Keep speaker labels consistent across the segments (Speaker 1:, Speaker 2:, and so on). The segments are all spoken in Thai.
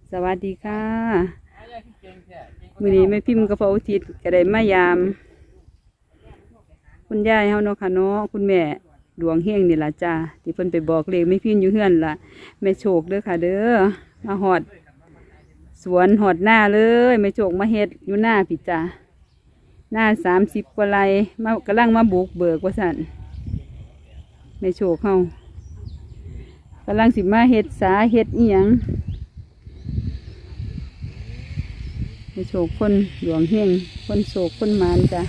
Speaker 1: สวัสดีค่ะมื้อนี้แม่พิมพ์กับพ่ออุทิศก็ได้มายามคุณยายเฮาเนาะค่ะเนาะคุณแม่ดวงเฮงนี่ล่ะจ้าที่เพิ่นไปบอกเลขแม่พิมพ์อยู่เฮือนล่ะแม่โชคเด้อค่ะเด้อมาฮอดสวนฮอดหน้าเลยแม่โชคมาเฮ็ดอยู่หน้าพี่จ้าหน้า30กว่าไร่มากำลังมาบุกเบิกว่าซั่นแม่โชคเฮากำลังสิมาเฮ็ดสาเฮ็ดอีหยังไปโชคคนหลวงเฮงคนโศกคนมานจ้ะ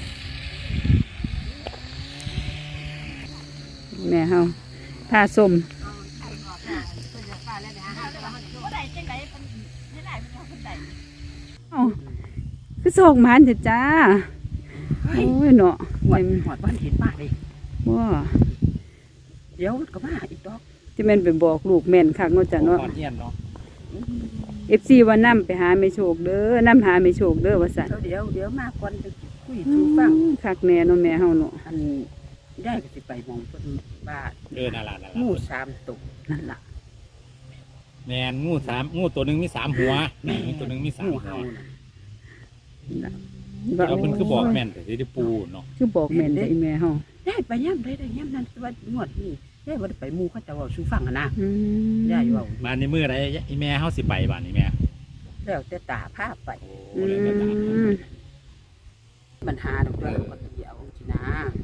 Speaker 1: แม่เฮาท่าส้มคือโศกมานเถอะจ้าโอ้ยเนาะ
Speaker 2: หอดบ้านเห็นมากเลย
Speaker 1: ว้า
Speaker 2: เดี๋ยวก็มาอีกดอก
Speaker 1: ที่แม่นไปบอกลูกแม่นคักเนาะจ้ะเนาะFC ว่านํไปหาแม่โชคเด้อนํหาแม่โชคเด้อว่าซั่น
Speaker 2: เดี๋ยวมาก่อนจะคุยสู่ฟัง
Speaker 1: คักแน่เนาะแม่เฮาเนาะ
Speaker 2: อันได้ก็สิไปมองเพิ่นบ้าน
Speaker 3: นั่นล่ะ
Speaker 2: งู3ตัวนั่นล่ะ
Speaker 3: แม่นงูตัวนึงมี3หัวงูตัวนึงมี3หัวเราเพิ่นคือบอกแม่นแต่สิปูเนาะ
Speaker 1: คือบอกแม่นได้แม่เฮา
Speaker 2: ได้ไปย่ำได้ย่ำนั้นว่างวดนี้ได้บ่ได้ไปหมู่เขาจะเว้าสู่ฟังนะได้เว้า
Speaker 3: บ้านในมื้อใดอีแม่เฮาสิไปบ้านนี่แม่
Speaker 2: แล้วแต่ตาพาไปปัญหาดอกเด้อบ่ต้องเอาสินะ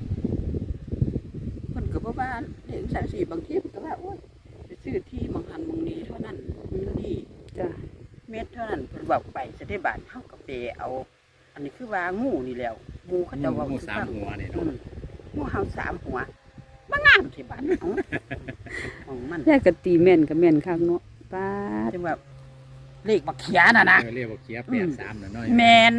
Speaker 2: เพิ่นก็บ่ว่าเด็กสัก4บางทีเพิ่นก็ว่าโอ๊ยไปซื้อที่บางหันบางนี้เท่านั้นนี่
Speaker 1: จ้ะ
Speaker 2: เม็ดเท่านั้นเพิ่นบอกไปจะได้บาทเฮาก็ไปเอาอันนี้คือว่างูนี่แล้วงูเขาจะว่า
Speaker 3: งู3หัวนี่เนาะ
Speaker 2: งูเฮา3หัวบ่งามสิบาดเอาของมัน
Speaker 1: แล้ก็ตีแม่นก็แม่นคักเนาะป้า
Speaker 2: จังว่าเลขบักเขียน่ะนะ
Speaker 3: เลขบักเขีย83น่ะน้อย
Speaker 2: แม่น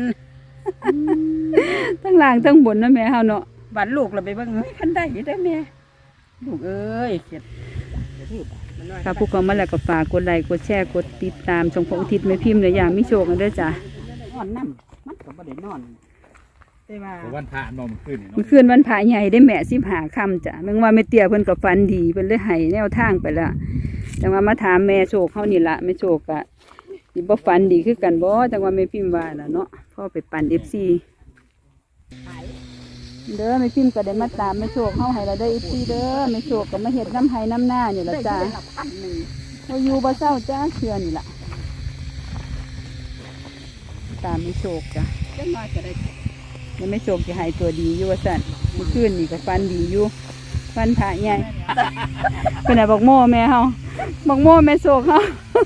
Speaker 1: ทั้งล่างทั้งบนนะแม่เฮาเนาะ
Speaker 2: บ้านลูกเราไปเบิ่งเฮ้ยคันได้อยู่ได้แม่ลูกเอ้ยเข็ด
Speaker 1: ค่ะผู้เข้ามาแล้วก็ฝากกดไลค์กดแชร์กดติดตามช่องของอุทิศแม่พิมพ์เด้ออย่างมีโชคกันเด้อจ้ะ
Speaker 2: นอนนำมันก็บ่ได้นอนแต่ว่า
Speaker 3: วันพระนอนมื้อคืนนี่เนาะ
Speaker 1: มื้อคืนวันพระใหญ่ได้แม่15 ค่ำจ้ะแม่งว่าแม่เตี้ยเพิ่นก็ฝันดีเพิ่นเลยให้แนวทางไปแล้วจังว่ามาถามแม่โชคเฮานี่ล่ะแม่โชคก็สิบ่ฝันดีคือกันบ่จังว่าแม่พิมพ์ว่าน่ะเนาะพอไปปั่น FC เด้อแม่พิมพ์ก็ได้มาตามแม่โชคเฮาให้เราได้ FC เด้อแม่โชคก็มาเฮ็ดน้ำไห้น้ำหน้านี่ล่ะจ้ะเราอยู่บ่เศร้าจ้าเชื่อนี่ล่ะตามแม่โชคจ้ะ
Speaker 2: จังน้อยก็ได้
Speaker 1: แม่โชคสิให้ตัวดีอยู่ว่าซั่นเมื่อคืนนี่ก็ฝันดีอยู่ฝันพระใหญ่เพิ่นน่ะบอกโม่แม่เฮาบอกโม่แม่โชคเฮา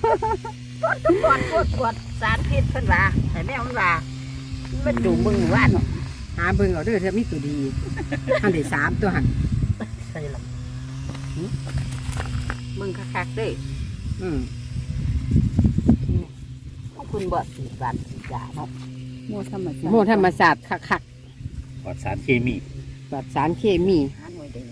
Speaker 2: ปวดสารพิษเพิ่นว่าให้แม่มันว่ามันดูมึงว่าเนาะหาเบิ่งเอาเด้อถ้ามีตัวดีอันที่3ตัวหั่นใส่ละมึงคักๆเด้ขอบคุณบ่สิบาทยาเนาะ
Speaker 1: โม่ธรรมชาติ
Speaker 2: โมธรรมศาสตร์คัก
Speaker 3: ปลอดสารเคมี
Speaker 2: ปลอดสารเคมีหาหน่วยเด้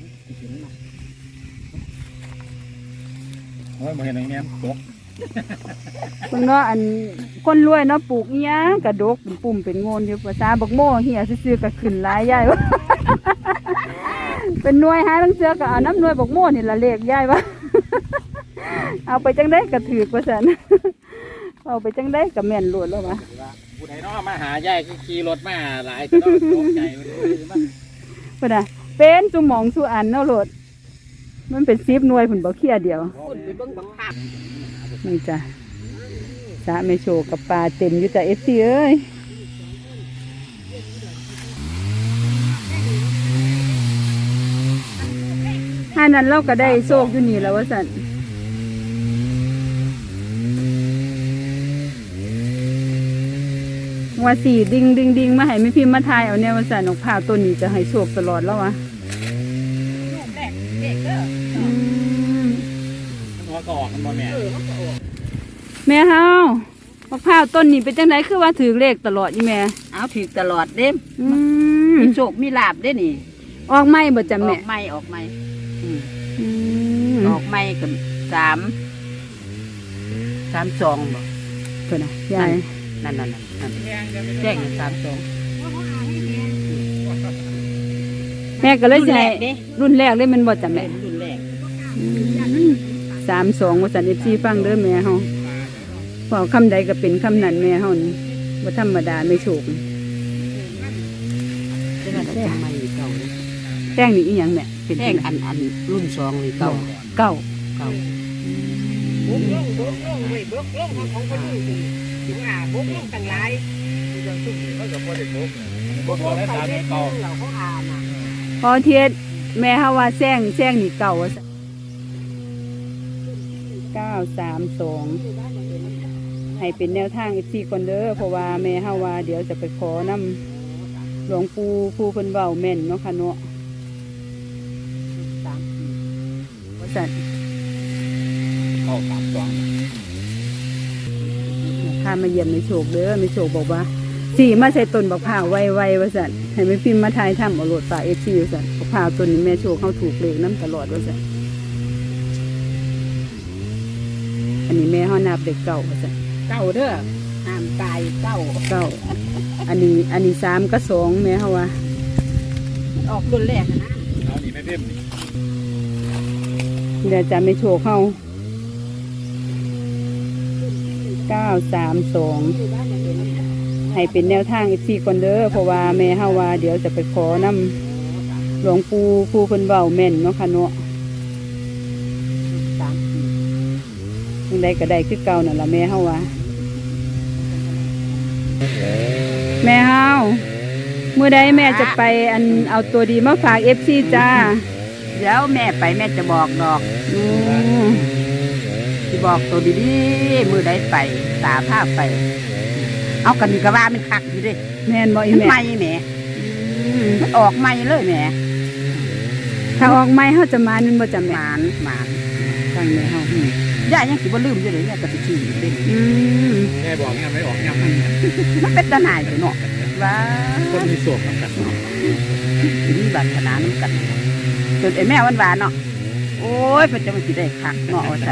Speaker 3: โอ้ยบ่เห็นแม่ตก
Speaker 1: เพิ่นเนาะอันคนรวยเนาะปลูกอีหยังกระดกเป็นปุ่มเป็นโงนอยู่ภาษาบักโม่เหี่ยซื่อๆก็ขึ้นหลายใหญ่ว่าเป็นหน่วยหาทั้งเสือก็เอาน้ำหน่วยบักโม่นี่ละเลขใหญ่ว่าเอาไปจังได้ก็ถือกว่าซั่นเอาไปจังได้ก็แม่นโลดแล้วว่า
Speaker 3: ผู้ใดเนาะมาหายายคือขี่รถมาหลายจะต้องตกใจมัน
Speaker 1: เพิ่นน่ะเป็นจุหมองสุอันเนาะโลดมันเป็น10หน่วยเพิ่นบ่เคียเดียว
Speaker 2: คุณไปเบิ่งบักคัก
Speaker 1: นี่จ้ะสระแม่โชคกับปลาเต็มอยู่จ้ะ FC เอ้ยถ้านั้นเราก็ได้โชคอยู่นี่แล้วว่าซั่นว่าสิดิ่งมาให้แม่พิมพ์มาทายเอาแนวว่าซั่นนกพร้าวต้นนี้จะให้โชคตลอดแล้ววะ
Speaker 3: ก็ออกกันบ่แม่
Speaker 1: แม่เฮามะพร้าวต้นนี้เป็นจังไดคือว่าถือเลขตลอดอีแม่
Speaker 2: เอาถือตลอดเด้มีโชคมีลาภเด้นี่
Speaker 1: ออกไม่บ่จ้ะแม่
Speaker 2: ออกไม่ออกไม่กับ332บ่
Speaker 1: เพิ่นน่ะยาย
Speaker 2: นั่นแจ้ง32
Speaker 1: แม่ก็เลยสิให้รุ่นแรกเลยมันบ่จ้ะแม่
Speaker 2: รุ่นแรก
Speaker 1: 32ว่าซั่น FC ฟังเด้อแม่เฮาเว้าคำใดก็เป็นคำนั้นแม่เฮานี่บ่ธรรมดาไม่โชค
Speaker 2: จะมาแท่งใหม่เก่า
Speaker 1: แป้งนี่อีหยังแม่เป็น
Speaker 2: แท่งอันรุ่นสองนี่เก่า
Speaker 1: เก้า
Speaker 2: เก่าบุกลงเว้ยบุกลงของคนอื่นถึงบุกลงต่างหลายบุกลงไปเล่นเราเขาอ่านอ่ะ
Speaker 1: พอเทียดแม่เฮาว่าแซงนี่เก่าว่าซั่น932ให้เป็นแนวทาง FC ก่อนเด้อเพราะว่าแม่เฮาว่าเดี๋ยวจะไปขอนำหลวงปู่ผู้เพิ่นเว้าแม่นเนาะค่ะเนาะว่าซั่น
Speaker 3: เข้าสามสอง
Speaker 1: พามาเยี่ยมในโชคเด้อในโชคบอกว่าสี่มาใส่ต้นบักพร้าวไวๆว่าซั่นให้แม่พิมพ์มาทายทำเอาโหลดฝาก FC ว่าซั่นบักพร้าวต้นนี้แม่โชคเฮาถูกเลขนํตลอดว่าซั่นอันนี้แม่เฮานับเด็กเก่าว่าซั่น
Speaker 2: เก่าเด้อห้ามตายเก่า
Speaker 1: เก้าอันนี้3กับ2แม่เฮาว่า
Speaker 2: ออกรุ่นแรกนะ
Speaker 3: เอานี่ไม่เพิ่มนี่
Speaker 1: เดี๋ยวจะไม่โชคเฮา932ให้เป็นแนวทาง FC ก่อนเด้อเพราะว่าแม่เฮาว่าเดี๋ยวจะไปขอนำหลวงปู่ผู้เพิ่นเว้าแม่นเนาะค่ะเนาะจังไดก็ได้คือเก่านั่นล่ะแม่เฮาว่าแม่เฮามื้อใดแม่จะไปอันเอาตัวดีมาฝาก FC จ้า
Speaker 2: เดี๋ยวแม่ไปแม่จะบอกดอก
Speaker 1: อืม
Speaker 2: ที่บอกตัวดีๆมือใดไปตาผ้าไป เอากันนี่ก็ว่ามันคักอยู่ดิ
Speaker 1: แม่นบ่อี
Speaker 2: มัน
Speaker 1: แม่
Speaker 2: ไม่แหมมันออกไม่เลยแหม
Speaker 1: ถ้าออกไม้เฮาจะมานั่นบ่จำ
Speaker 2: ห
Speaker 1: แม่
Speaker 2: มานหมาน
Speaker 1: ฟังแม่เฮา
Speaker 2: ย่ายังสิบ่ลืมอยู่เลยเนี่ยก็สิชื่อเด่น
Speaker 1: อืม
Speaker 3: แม่บอกงั้นไม่ออกงั้นนั่น
Speaker 2: มันเป็นตาหนายเลยเนาะว่า
Speaker 3: คนมีโศกกัน
Speaker 2: มีบัตรนาน้ำกันจนไอ้แม่วันวานเนาะโอ้ยเป็นจะมันสิได้คักเนาะว่าซั่น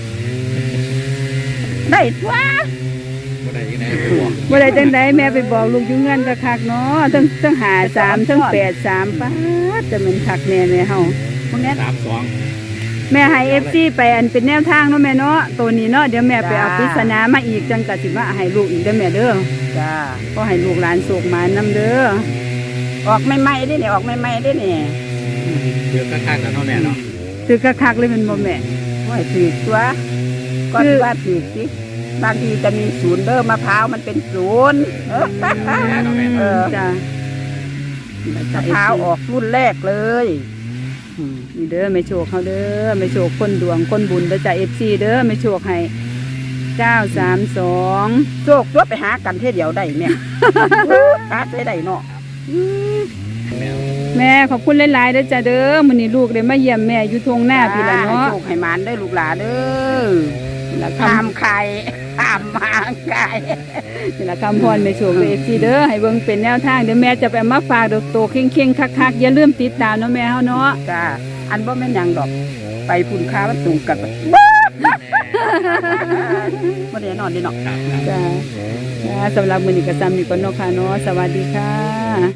Speaker 2: ได้ตัว
Speaker 3: บ่ได้ยังไงบอก
Speaker 1: บ่ได้จังไดแม่ไปบอกลูกอยู่เงินคักๆเนาะทั้ง53ทั้ง83ป๊าดจะแม่นคักแน่แม่เฮา
Speaker 2: พวกนี้
Speaker 3: สามสอง
Speaker 1: แม่ให้ FC ไปอันเป็นแนวทางเนาะแม่เนาะตัวนี้เนาะเดี๋ยวแม่ไปเอาปริศนามาอีกจังก็สิมาให้ลูกอีกเด้อแม่เด้อ
Speaker 2: จ้า
Speaker 1: ก็ให้ลูกหลานโศกมานำเด้อ
Speaker 2: ออกใหม่ๆได้เนี่ยออกใหม่ๆได้เนี่ย
Speaker 3: เดือดข้างๆกันเนาะแม่เนาะ
Speaker 1: ถือคักๆเลยแม่นบ่แม่
Speaker 2: ว่าถือตัวก็ที่ว่าถือสิบางทีจะมีศูนย์เด้อมะพร้าวมันเป็นศูนย์
Speaker 1: จ้า
Speaker 2: มะพร้าวออกรุ่นแรกเลยอืม
Speaker 1: นี่เด้อแม่โชคเขาเด้อแม่โชคคนดวงคนบุญเด้อจ้า FC เด้อแม่โชคให้932
Speaker 2: โชคตัวไปหากันเท่เดียวได้เนี่ย หาได้เนาะ
Speaker 1: แม่ขอบคุณหลายๆเด้อจ้าเด้อมื้อนี้ลูกได้มาเยี่ยมแม่อยู่ทงหน้าพี่ละเนาะ
Speaker 2: ให้โชคให้หมานได้ลูกหลานเด้อ
Speaker 1: ละค
Speaker 2: ข้ามไข่ข้ามมาไก่
Speaker 1: ำนี่ละคำพรแม่โชคเด้อ FC เด้อให้เบิ่งเป็นแนวทางเดี๋ยวแม่จะไปเอามาฝากดอกโตเข่งๆคักๆอย่าลืมติดตามเนาะแม่เฮาเนาะ
Speaker 2: จ้าอันบ่แม่นหยังดอก ไปพุ่นค้ามันตรงกันบ่ได้นอนเด้เนาะ
Speaker 1: จ้าสำหรับมื้อนี้ก็ซ้ำนี่ก่อนเนาะค่ะเนาะสวัสดีค่ะ